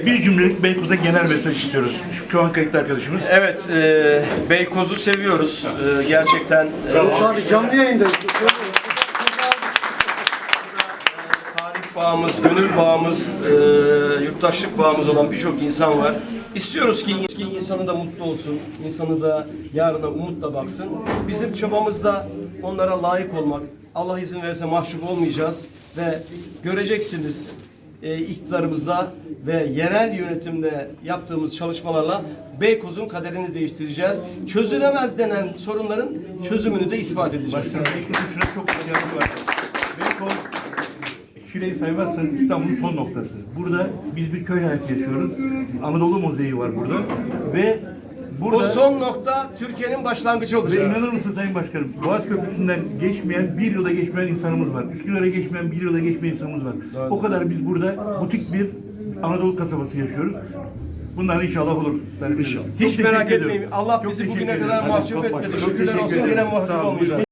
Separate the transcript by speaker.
Speaker 1: Bir cümlelik Beykoz'a genel mesaj istiyoruz. Şu an kayıtlı arkadaşımız.
Speaker 2: Evet, Beykoz'u seviyoruz. Gerçekten
Speaker 3: Şu an canlı yayındayız.
Speaker 2: tarih bağımız, gönül bağımız, yurttaşlık bağımız olan birçok insan var. İstiyoruz ki insanı da mutlu olsun, insanı da yarına umutla baksın. Bizim çabamız da onlara layık olmak. Allah izin verirse mahcup olmayacağız ve göreceksiniz iktidarımızda ve yerel yönetimde yaptığımız çalışmalarla Beykoz'un kaderini değiştireceğiz. Çözülemez denen sorunların çözümünü de ispat edeceğiz.
Speaker 1: Başkanım, Beykoz'un şurada çok başarılı var. Beykoz, Şile'yi saymazsanız İstanbul'un son noktası. Burada biz bir köy hayatı yaşıyoruz. Anadolu Mozaik var burada. Ve burada...
Speaker 2: O son nokta Türkiye'nin başlangıcı
Speaker 1: Ve
Speaker 2: olacak.
Speaker 1: inanır mısın Sayın Başkanım, Boğaz Köprüsü'nden geçmeyen, bir yılda geçmeyen insanımız var. Üsküdar'a geçmeyen, bir yılda geçmeyen insanımız var.
Speaker 2: Evet.
Speaker 1: O kadar biz burada butik bir Anadolu kasabası yaşıyoruz. Bunlar inşallah olur.
Speaker 2: Hiç merak etmeyin. Allah bizi bugüne kadar mahcup etmedi. Şükürler olsun, yine mahcup olmayacağız.